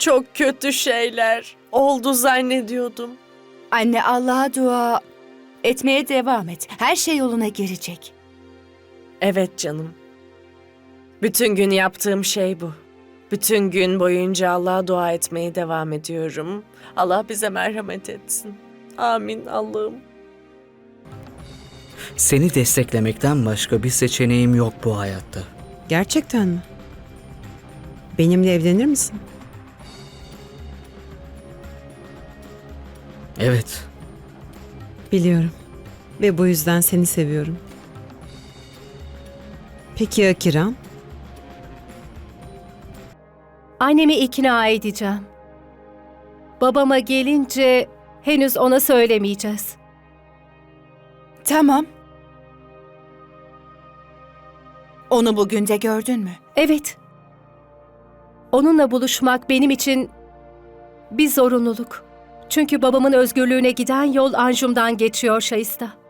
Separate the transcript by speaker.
Speaker 1: Çok kötü şeyler oldu zannediyordum.
Speaker 2: Anne, Allah'a dua etmeye devam et. Her şey yoluna girecek.
Speaker 1: Evet canım. Bütün gün yaptığım şey bu. Bütün gün boyunca Allah'a dua etmeye devam ediyorum. Allah bize merhamet etsin. Amin Allah'ım.
Speaker 3: Seni desteklemekten başka bir seçeneğim yok bu hayatta.
Speaker 4: Gerçekten mi? Benimle evlenir misin?
Speaker 3: Evet,
Speaker 4: Biliyorum. Ve bu yüzden seni seviyorum. Peki ya Kiran?
Speaker 5: Annemi ikna edeceğim. Babama gelince henüz ona söylemeyeceğiz.
Speaker 2: Tamam. Onu bugün de gördün mü?
Speaker 5: Evet. Onunla buluşmak benim için bir zorunluluk. Çünkü babamın özgürlüğüne giden yol Anjum'dan geçiyor Şahista.